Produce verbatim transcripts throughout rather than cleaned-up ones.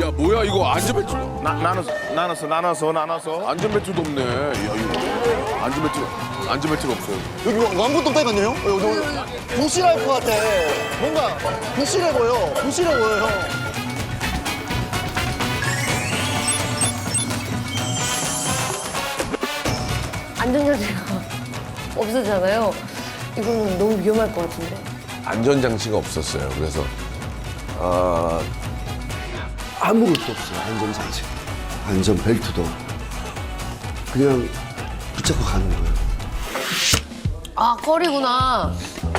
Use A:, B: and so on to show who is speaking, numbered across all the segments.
A: 야 뭐야 이거 안전벨트
B: 나, 나눠서 나눠서 나눠서 나눠서
A: 안전벨트도 없네. 야 이거 안전벨트 안전벨트가 없어.
C: 여기 아무것도 없다니까요? 여기, 여기 부실할 것 같아. 뭔가 부실해 보여. 부실해 보여, 형.
D: 안전장치가 없었잖아요. 이거는 너무 위험할 것 같은데.
A: 안전장치가 없었어요. 그래서
E: 아, 아무것도 없어요, 안전장치. 안전벨트도. 그냥 붙잡고 가는 거예요.
D: 아, 컬이구나.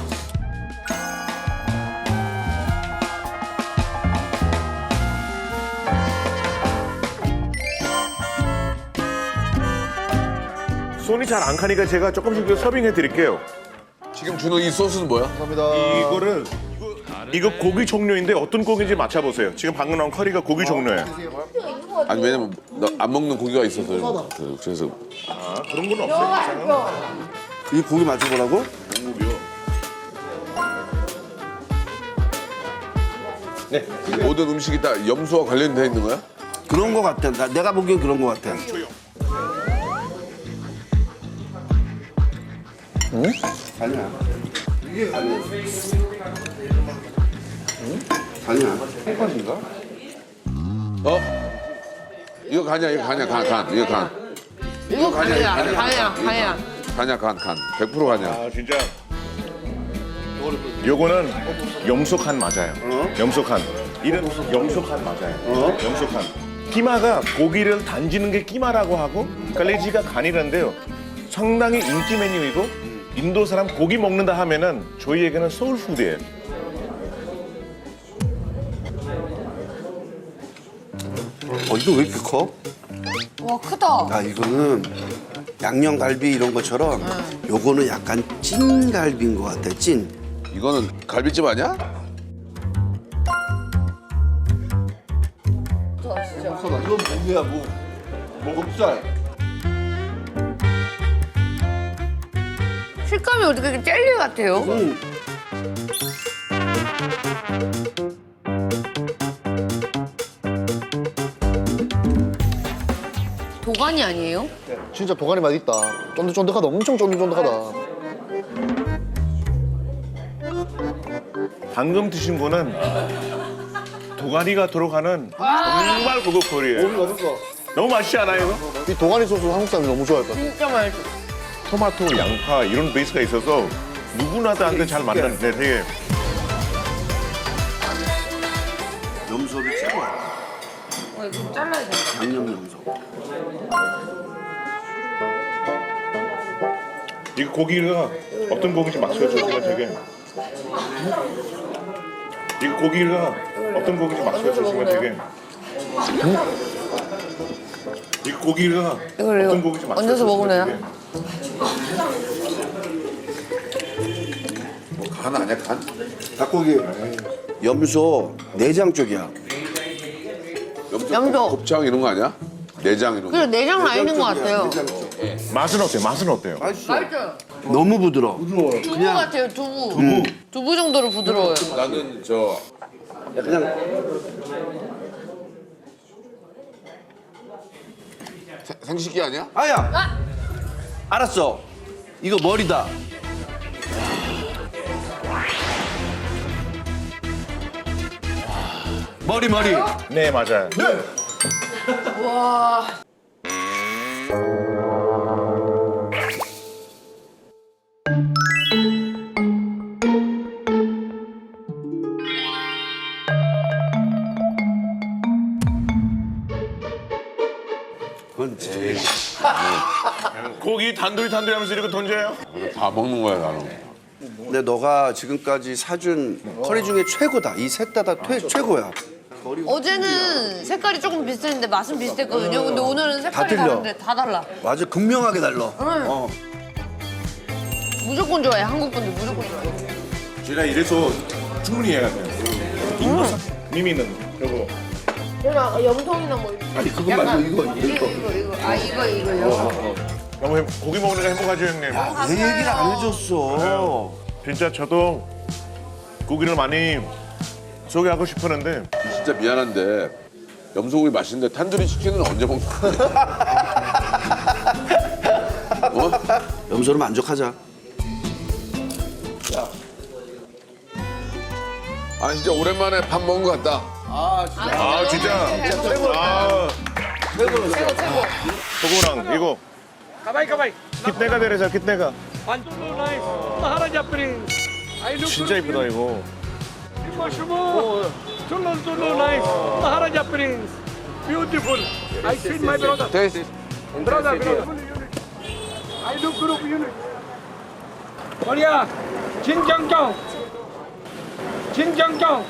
B: 손이 잘 안 가니까 제가 조금씩 더 서빙해 드릴게요.
A: 지금 주는 이 소스는 뭐야?
C: 감사합니다.
B: 이거를 이거 고기 종류인데 어떤 고기인지 맞춰보세요. 지금 방금 나온 커리가 고기 종류예요.
A: 아니 왜냐면 나 안 먹는 고기가 있어서 그- 그래서
B: 아, 그런 건 없어요.
E: 이 고기 맞춰보라고?
B: 네.
A: 모든 음식이 다 염소와 관련돼 있는 거야?
E: 그런 거 같아. 나, 내가 보기엔 그런 거 같아. 응? 아니야. 이게 아니야. 응? 아니야. 햇반인가?
A: 어? 이거 간이야 이거 간이야 간 간. 이거 간.
D: 이거
A: 간이야, 이거
D: 간이야, 간이야, 간이야.
A: 간이야 간 간. 백 퍼센트 간이야.
B: 아 진짜. 요거는 염소칸 맞아요. 염소칸. 이름 염소칸 맞아요. 염소칸. 끼마가 고기를 단지는 게 끼마라고 하고 갈래지가 간이란데요. 상당히 인기 메뉴이고 인도 사람 고기 먹는다 하면은 저희에게는 소울푸드예요.
E: 어, 이거 왜 이렇게 커?
D: 와, 크다.
E: 아, 이거는 양념갈비 이런 것처럼 요거는 약간 찐갈비인 것 같아, 찐.
A: 이거는 갈비찜 아니야?
E: 이건 뭐야, 뭐. 목살.
D: 식감이 어떻게 이렇게 젤리 같아요?
E: 응.
D: 도가니 아니에요?
C: 진짜 도가니 맛 있다. 쫀득쫀득하다. 엄청 쫀득쫀득하다.
B: 방금 드신 분은 도가니가 들어가는 정말 고급 코리예요.
C: 맛있어.
B: 너무 맛있지 않아요, 이거?
C: 이 도가니 소스 한국 사람이 너무 좋아할 것 같아.
D: 진짜 맛있어.
B: 토마토, 양파 이런 베이스가 있어서 누구나한테 잘 맞는 네, 되게
E: 염소를 최고야.
D: 어, 이거 잘라야 돼.
E: 양념 염소.
B: 이 고기가 어떤 고기인지 맞춰주시면 되게 이 고기가 어떤 고기인지 맞춰주시면 되게 이 고기가
D: 이걸
B: 어떤
D: 이거
B: 고기인지
D: 얹어서
B: 맞춰주시면
D: 먹으나요?
B: 되게
A: 간 아니야 간?
E: 닭고기. 염소 내장 쪽이야.
A: 염소,
D: 염소.
A: 곱창 이런 거 아니야? 내장 이런 거.
D: 그래, 내장 나 있는 것
E: 쪽이야,
D: 같아요.
E: 내장 쪽.
B: 맛은 어때요? 맛은 어때요?
E: 맛있어.
D: 맛있어요.
E: 너무 부드러워.
D: 두부 같아요, 두부. 두부. 두부 정도로 부드러워요.
A: 나는 저
E: 그냥
A: 생- 생식기 아니야?
E: 아야.
D: 아!
E: 알았어. 이거 머리다. 머리 머리.
B: 네 맞아요.
D: 와.
E: 그건 제일.
B: 고기 단둘이 단둘이 하면서 이렇게 던져요?
A: 다 먹는 거야 나는.
E: 근데 너가 지금까지 사준 커리 중에 최고다. 이 셋 다 다 최고야.
D: 어제는 색깔이 조금 비슷했는데 맛은 비슷했거든요. 근데 오늘은 색깔이
E: 틀려.
D: 다른데 다 달라.
E: 맞아, 극명하게 달라. 어.
D: 무조건 좋아해. 한국 분들 무조건 좋아해.
B: 제가 이래서 충분히 해야 돼요. 인도 사님이는 요거
D: 그냥 염통이나 뭐 이런.
E: 아니 그거 말고 이거
D: 이거
E: 이거.
D: 이거 이거. 아 이거 이거요.
B: 너무 행- 고기 먹으니까 행복하죠 형님.
E: 내 얘기를 안 해줬어.
B: 진짜 저도 고기를 많이 소개하고 싶었는데
A: 진짜 미안한데 염소고기 맛있는데 탄두리 치킨은 언제 먹는 거야? 어?
E: 염소로 만족하자.
A: 아 진짜 오랜만에 밥 먹은 것 같다.
B: 아 진짜. 아
D: 최고 최고.
B: 소고랑 이거.
F: Kabay, kabay.
B: kitnega dere sir? kitnega?
F: One, two, nine. Maharaja Prince. I look
B: 진짜 이쁘다 이거.
F: Shimo, shimo. Chulun, chulun, nice. Maharaja Prince. Beautiful. I see my brother.
A: 테이스.
F: Brother, beautiful unit. I look group unit. Korea. Jinjangchong. Jinjangchong.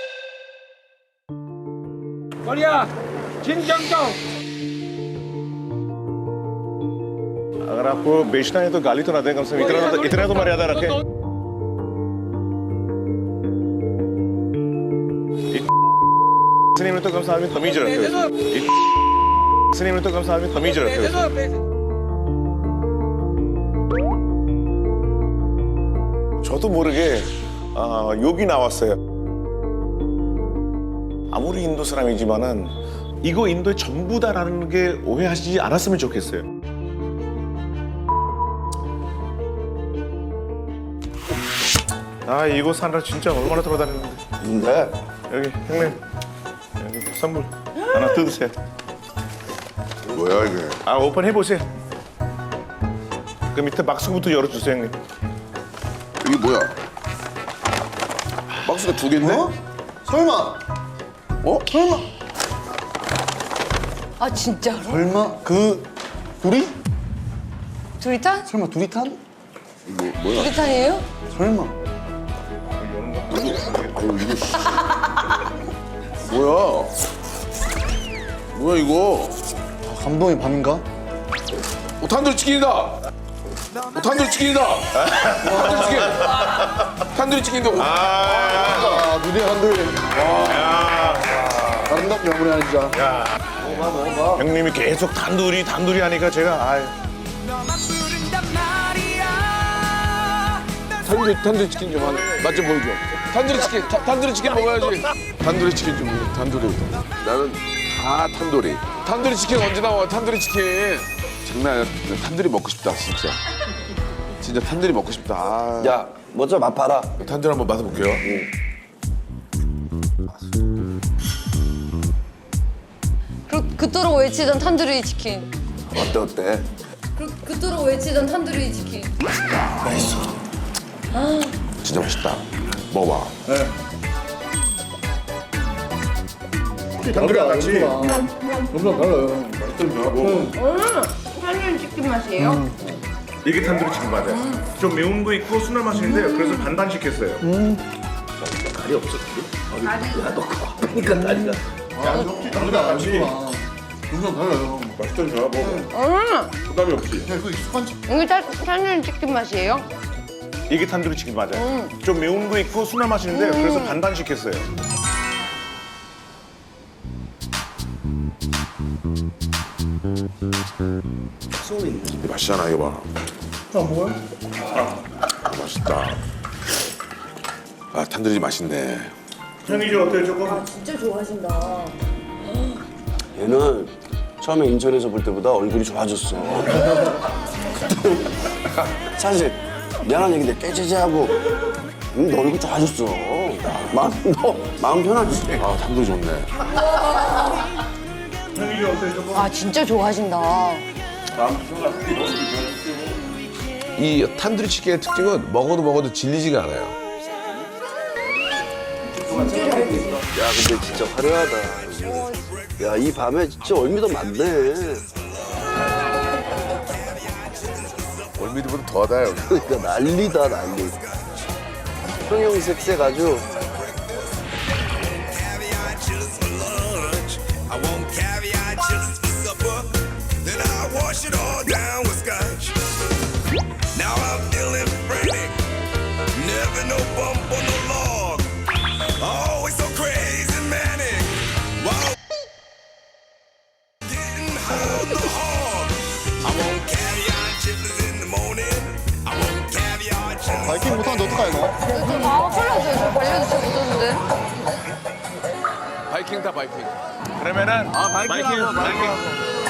F: Korea. Jinjangchong.
B: अगर आपको बेचना है तो गाली तो ना दें कम से कम इतना तो इतना तो मर्यादा रखें इतने में तो कम से आदमी तमीज रखे इतने में तो कम से आदमी तमीज रखे 저도 모르게 아, 욕이 나왔어요. 아무리 인도 사람이지만은 이거 인도의 전부다라는 게 오해하시지 않았으면 좋겠어요. 아 이거 사느라 진짜 얼마나 돌아다녔는데.
E: 근데
B: 여기 형님 여기 선물 하나 뜯으세요.
A: 뭐야 이게?
B: 아 오픈해 보세요. 그 밑에 박스부터 열어주세요 형님.
A: 이게 뭐야? 박스가 두 개인데?
C: 어? 설마?
A: 어?
C: 설마?
D: 아 진짜로?
C: 설마? 그 둘이?
D: 두리탄?
C: 설마 둘이 탄?
A: 뭐, 뭐야?
D: 두리탄이에요?
C: 설마?
A: 뭐야? 뭐야 이거?
C: 감동의 밤인가?
A: 어, 탄두리 치킨이다. 어, 탄두리 치킨이다. 탄두리 치킨. 탄두리 치킨인데. 어,
C: 아, 눈이 한들. 와. 아름답 명물이 아니 진짜.
B: 형님이 계속 단둘이 단둘이 하니까 제가 아유.
A: 탄두리 탄두리 치킨 좀 하나 맛 좀 보여줘. 탄두리 치킨 타, 탄두리 치킨 먹어야지. 탄두리 치킨 좀 먹어. 탄두리부터. 나는 다 탄두리. 탄두리 치킨 언제 나와? 탄두리 치킨. 장난 아니야. 탄두리 먹고 싶다 진짜. 진짜 탄두리 먹고 싶다. 아.
E: 야 먼저 맛봐라.
A: 탄두리 한번 맛볼게요.
D: 그, 그토록 외치던 탄두리 치킨.
E: 어때 어때?
D: 그, 그토록 외치던 탄두리 치킨.
A: 진짜 맛있다. 먹어봐.
B: 단둘이랑 같이.
C: 너무나 달라요.
D: 탄두리 치킨 맛이에요?
B: 이게 단둘이 치킨 맞아요. 좀 매운 거 있고 순한 맛인데 그래서 반반 시켰어요.
E: 다리 없어 다리? 야너 아프니까 다리가.
C: 단둘이랑 같이. 너무나 달라요.
B: 맛있던 좋아 먹어. 부담이 없지.
C: 야, 그 익숙한 집.
D: 이게 타, 탄두리 치킨 맛이에요?
B: 이게 탄두리 치킨 맞아요. 좀 매운 거 있고 순한 맛인데 그래서 반반 시켰어요.
A: 이게 맛있잖아 이거 봐.
C: 아, 뭐야?
A: 맛있다. 아 탄두리 맛있네.
B: 형이 좀 어때요 조금?
D: 진짜 좋아하신다.
E: 얘는 처음에 인천에서 볼 때보다 얼굴이 좋아졌어. 사실 미안한 얘기인데 깨지지하고 음, 너 얼굴 좋아졌어. 마음 너 마음 편하지.
A: 아 탄두리 좋네.
B: 형이 좀 어때요 조금?
D: 아 진짜 좋아하신다.
A: 이 탄두리 치킨의 특징은 먹어도 먹어도 질리지가 않아요.
E: 야 근데 진짜 화려하다. 야 이 밤에 진짜 얼미도 많네.
A: 월미도보다 더하다 여기.
E: 그러니까 난리다 난리. 형형색색 아주.
G: I want caviar chips for supper. Then I wash it all down with scotch. Now I'm feeling frantic. Never no bump on no log. Always so crazy manic. Wow. Getting high on the hog. I want caviar chips in the morning. I want caviar chips.
C: 바이킹 못하는데 어떡하냐, 너?
D: 아 빨라져요. 저 관련이 잘 못하는데.
A: 바이킹 타 바이킹.
B: 그러면은
E: 아, 바이킹 하고, 바이킹 하고.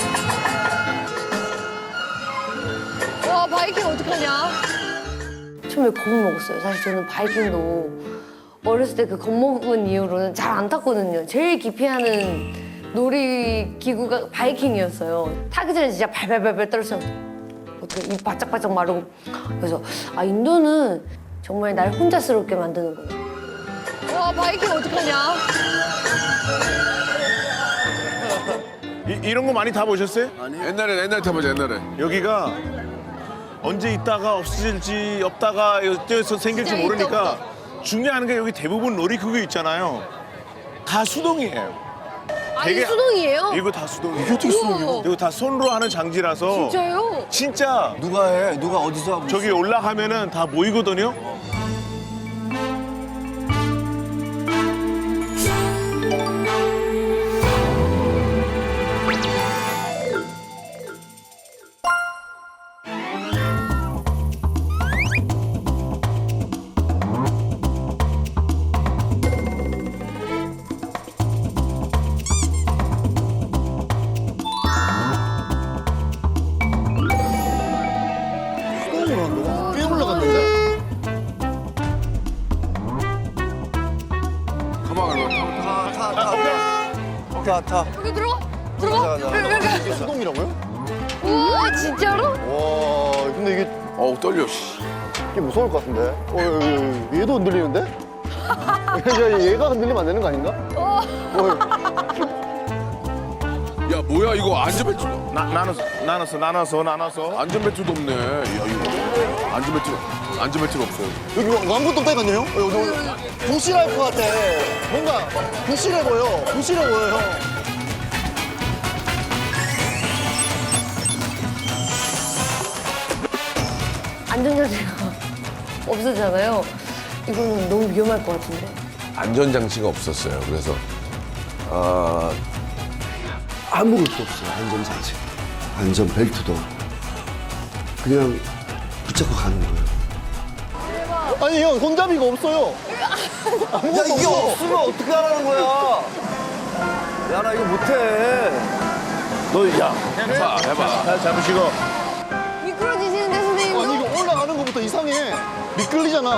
D: 와 바이킹 어떡하냐? 처음에 겁을 먹었어요. 사실 저는 바이킹도 어렸을 때 그 겁먹은 이후로는 잘 안 탔거든요. 제일 기피하는 놀이기구가 바이킹이었어요. 타기 전에 진짜 발발발발 떨었어요. 어떻게 입 바짝바짝 마르고. 그래서 아 인도는 정말 날 혼자스럽게 만드는 거예요. 와 바이킹 어떡하냐?
B: 이, 이런 거 많이 타보셨어요?
A: 옛날에 옛날에 타보자 옛날에.
B: 여기가 언제 있다가 없어질지 없다가 어디서 생길지
D: 진짜
B: 모르니까 중요한 게 여기 대부분 놀이기구 있잖아요. 다 수동이에요.
D: 아니
B: 되게-
D: 수동이에요?
B: 이거 다 수동이에요.
D: 어떻게 수동이요?
B: 이거 다 손으로 하는 장지라서
D: 진짜요?
B: 진짜
E: 누가 해? 누가 어디서 하고
B: 저기 올라가면은 다 보이거든요.
C: 수동으로 한다고? 꽤 올라갔는데?
A: 가만 가.
E: 타, 타, 타. 타, 타.
D: 여기 들어가? 들어가?
E: 가자, 가자.
C: 이게 수동이라고요?
D: 우와 진짜로?
C: 와, 근데 이게,
A: 어우 떨려. 씨.
C: 이게 무서울 것 같은데? 어, 얘, 얘, 얘도 흔들리는데? 야, 얘가 흔들리면 안 되는 거 아닌가? 어.
A: 야 뭐야 이거 안전벨트.
B: 나, 나눠서 나눠서 나눠서 나눠서.
A: 안전벨트도 없네. 야 이거 안전벨트 안전벨트가 없어요.
C: 여기 뭐 아무것도 없다니까요 어, 여기 부실할 것 같아. 뭔가 부실해 보여. 부실해 보여, 형.
D: 안전장치가 없었잖아요. 이거는 너무 위험할 것 같은데.
A: 안전장치가 없었어요. 그래서
E: 아, 아무것도 없어요. 안전장치. 안전벨트도. 그냥 붙잡고 가는 거예요.
C: 아니, 형, 손잡이가 없어요.
E: 야,
C: 아무것도
E: 이게
C: 없어.
E: 없으면 어떻게 하라는 거야? 야, 나 이거 못해. 너, 야.
A: 해봐 해봐.
B: 잘 잡으시고.
D: 미끄러지시는데 선생님도?
C: 아니, 이거 올라가는 것부터 이상해. 미끌리잖아.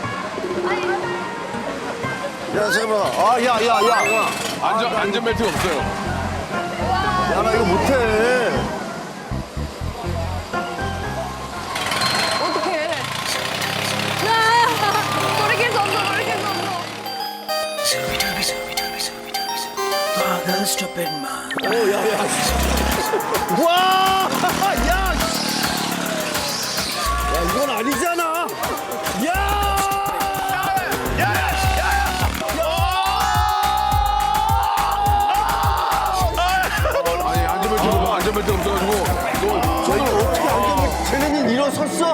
E: 야, 잠깐만. 아, 야, 야, 야.
A: 안전 안전벨트가 없어요.
E: 야, 나 이거 못해.
D: 어떡해. 아, 돌이킬 수 없어, 돌이킬 수 없어.
E: 와! 야! 야, 이건 아니잖아. 야!
A: 아니 안전벨트가 뭐 안전벨트가 없어가지고 너
E: 저 이거 어떻게 안전벨트 쟤네는 일어섰어?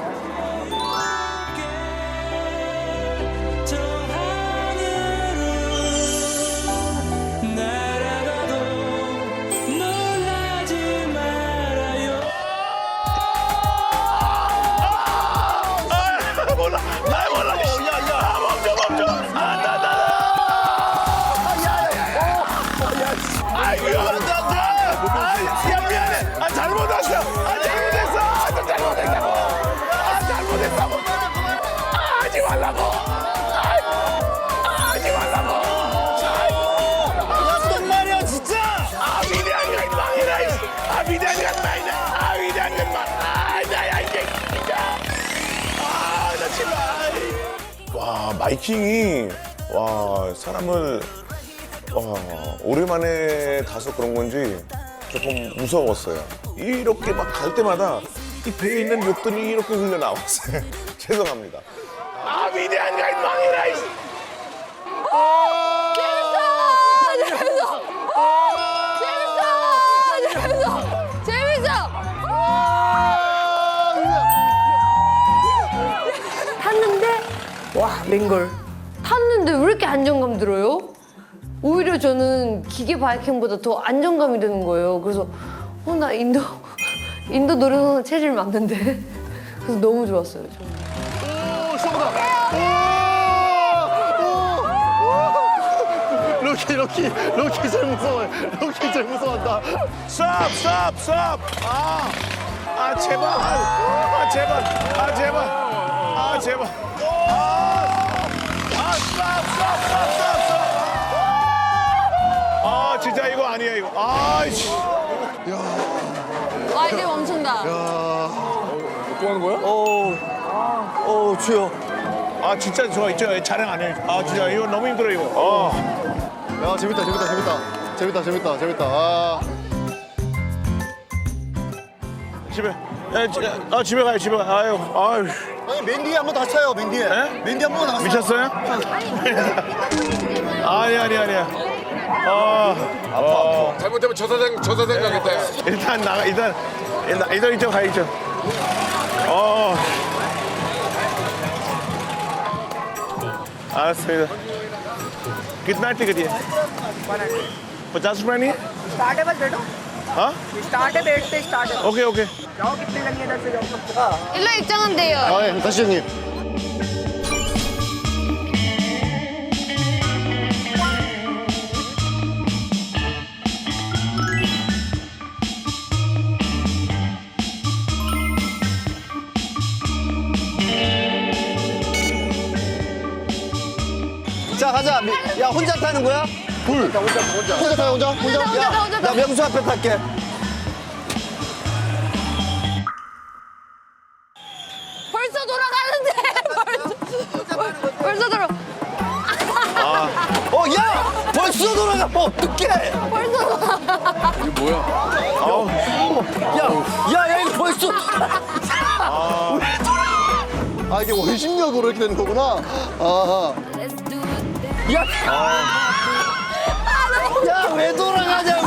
B: 몰라. 나 몰라. 야, 야, 멈춰, 멈춰. 아, 나, 나. 아이고, 나, 나. 아, 야, 미안해. 아, 잘못 왔어. 아, 잘못했어. 아, 좀 잘못했다고. 아, 잘못했다고. 아, 하지 말라고. 아이고, 하지 말라고. 아이고. 야, 정말이야, 진짜. 아, 위대한 건 망이다. 이. 아, 위대한 건 망이다. 아, 위대한 건 망. 아, 나야, 이게 진짜. 아, 나 제발. 와, 마이킹이 와 사람을 와 오랜만에 타서 그런 건지 조금 무서웠어요. 이렇게 막 갈 때마다 이 배에 있는 욕들이 이렇게 흘러 나왔어요. 죄송합니다. 아 위대한 가이드망이라.
D: 재밌어! 재밌어! 재밌어! 재밌어! 탔는데 와 맹걸 탔는데 왜 이렇게 안정감 들어요? 오히려 저는 기계 바이킹보다 더 안정감이 드는 거예요. 그래서 어 나 인도 인도 놀이동산 체질 맞는데 그래서 너무 좋았어요. 저는.
C: 오, 시원하다. 오! 오! 로키 로키 로키 제일 무서워해. 로키 제일 무서워한다.
B: 스톱 스톱 스톱. 아, 아 제발. 아 제발. 아 제발. 아 제발. 아, 아 스톱 스톱 스톱 스톱 스톱. 아 진짜 이거 아니야 이거. 아이씨.
D: 아 이제 멈춘다.
A: 또 하는 거야?
C: 어 추워.
B: 아 진짜 저 있죠 촬영 안 해. 아 진짜 이거 너무 힘들어 이거. 어.
C: 야 재밌다 재밌다 재밌다 재밌다 재밌다 재밌다. 아.
B: 집에. 야, 지- 아 집에 가요 집에 가. 아유 아유.
C: 아니 맨 뒤에 한번 다쳐요 맨 뒤에.
B: 에?
C: 맨 뒤에 한번 다쳐.
B: 미쳤어요? 아니 아니 아니야. 아 아파.
A: 잘못하면 저 사장 저 사장 가겠다. 야.
B: 일단 나가 일단 일단 일단 이쪽 가야죠. 어. 알았습니다. कितना टिकट है? पचास रुपए नहीं है?
H: स्टार्ट है बस बैठो
B: हाँ?
H: स्टार्ट है बैठते स्टार्ट है
B: ओके ओके.
H: जाओ कितने लगे इधर से जाओ
D: 일로 입장하면 돼요.
C: 아 예, 다시 형님. 자 가자. 미- 야 혼자 타는 거야? 불. 혼자 혼자 혼자. 혼자 타 혼자 혼자.
D: 혼자 타,
C: 야,
D: 혼자 타.
C: 나 명수 앞에 탈게.
D: 벌써 돌아가는데. 벌써, 벌써 돌아.
C: 어 야 벌써 돌아가. 어 어떡해.
D: 벌써 돌아.
A: 이게 뭐야?
C: 야야 야, 이거 벌써. 아 이게 원심력으로 이렇게 되는 거구나. 아. 야. 야 왜 돌아가냐고.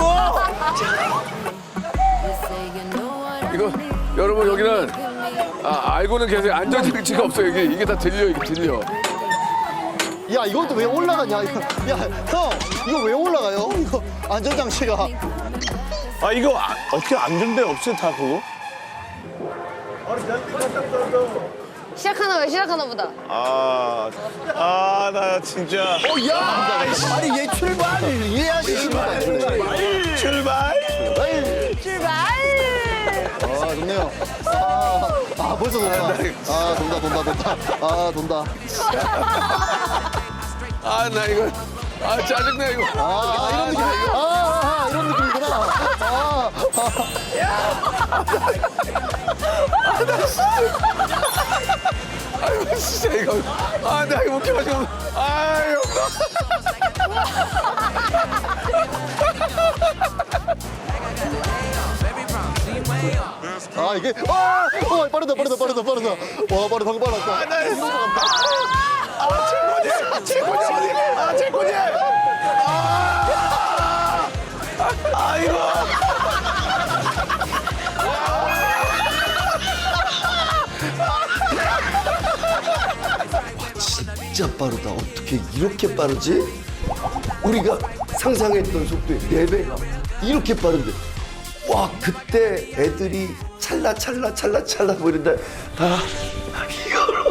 A: 이거 여러분 여기는 아, 알고는 계세요. 안전장치가 없어요. 이게 이게 다 들려 이게 들려.
C: 야 이것도 왜 올라가냐 이거. 야형 이거 왜 올라가요? 이거 안전장치가.
B: 아 이거 아, 어떻게 안전대 없어요 다 그거?
D: 시작하나 왜 시작하나 보다.
B: 아, 아, 나 진짜.
C: 어, 야! 아니, 얘 출발! 이해하기 싫다.
B: 출발.
D: 출발.
C: 아, 좋네요. 아, 아 벌써 돈다. 아, 돈다, 돈다, 돈다. 아, 돈다.
A: 아 나 이거 아 짜증나 이거.
C: 아, 아 이런 느낌. 아, 아, 아, 이런 느낌이구나. 아,
A: 아유 진짜 이거 아나 이거 웃겨가지고 아유.
C: 아, 이게. 아! 어, 빠르다, 빠르다, 빠르다, 빠르다. 와, 빠르다, 방금 빨랐다.
B: 아, 나 이거 아, 최고지. 최고지 어디? 아, 최고지. 아, 아이고.
E: 진짜 빠르다. 어떻게 이렇게 빠르지? 우리가 상상했던 속도의 네 배가 이렇게 빠른데. 와, 그때 애들이 찰나 찰나 찰나 찰나 보이는데 다 이거로.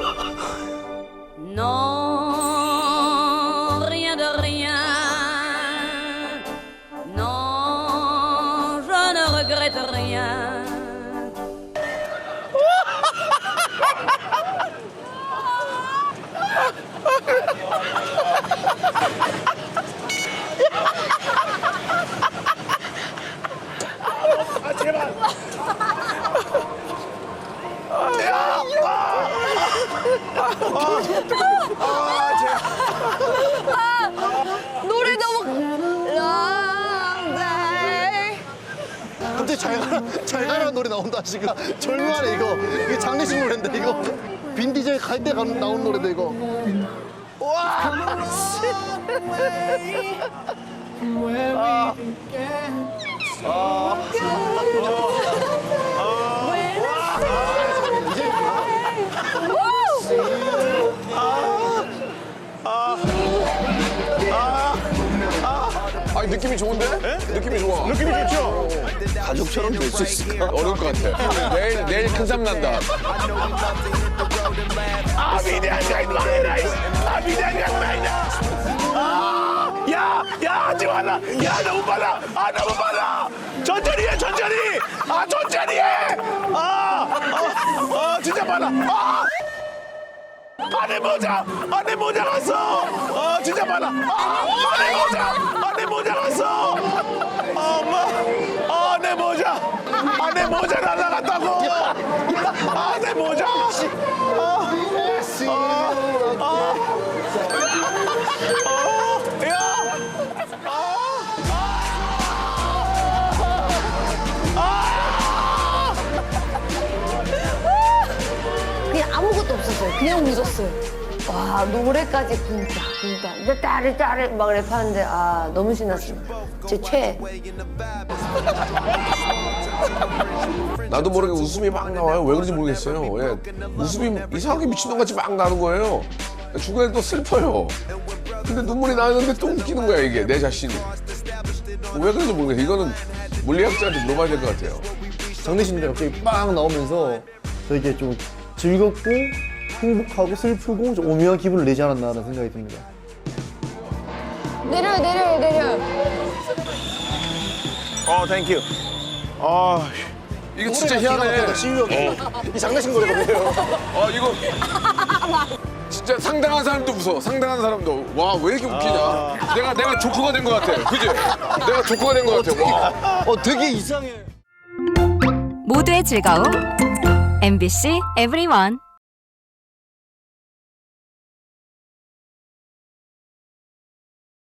I: Non, rien de rien. Non, je ne regrette rien.
B: 아, 제발.
D: 노래 너무. Long day.
C: 갑자기 잘 가라, 잘 가라는 노래 나온다, 지금. 절묘하네, 이거. 이게 장례식 노래인데, 이거. 빈 디젤 갈 때 나온 노래인데, 이거.
A: 아니 느낌이 좋은데? 느낌이 좋아.
B: 느낌이 좋죠?
E: 가족처럼 될 수 있을까?
A: 어려울 것 같아. 내일 내일 큰 삶 난다.
B: 아, 위대한 가이드 마이너스. 아, 위대한 가이드 마이너스. 아, 야, 야, 야, 하지 마라. 야, 너무 빨라. 아, 너무 빨라. 천천히 해, 천천히. 아, 천천히 해. 아, 아, 아, 진짜 빨라. 아, 안에 모자, 안에 모자 갔어. 아, 진짜 빨라. 아, 안에 모자, 안에 모자 갔어. 아, 엄마, 아, 내 모자, 아, 내 모자 날라갔다고. 아, 내 모자. 아, 아, 아. 어, 야!
D: 그냥 아무것도 없었어요. 그냥 웃었어요. 와 노래까지 쿵따 쿵따 이제 따르 따르 막 랩하는데 아 너무 신났습니다. 제 최애.
A: 나도 모르게 웃음이 막 나와요. 왜 그런지 모르겠어요. 예. 웃음이 이상하게 미친놈같이 막 나는 거예요. 중간에 또 슬퍼요. 근데 눈물이 나는데 또 웃기는 거야 이게 내 자신이. 왜 그런지 모르겠어요. 이거는 물리학자한테 물어봐야 될 것 같아요.
C: 장례식인데 갑자기 빵 나오면서 되게 좀 즐겁고 행복하고 슬프고 좀 오묘한 기분을 내지 않았나라는 생각이 듭니다.
D: 내려요 내려요 내려요.
B: 어, 땡큐. 아,
A: 이거 진짜 희한해.
C: 시우 형이 이 장례식 노래거든요.
A: 어 이거 진짜 상당한 사람도 웃어. 상당한 사람도 와 왜 이렇게 웃기냐. 내가 내가 조커가 된 것 같아. 그지? 내가 조커가 된 것 같아. 와.
C: 어 되게 이상해.
J: 모두의 즐거움 엠비씨 에브리원.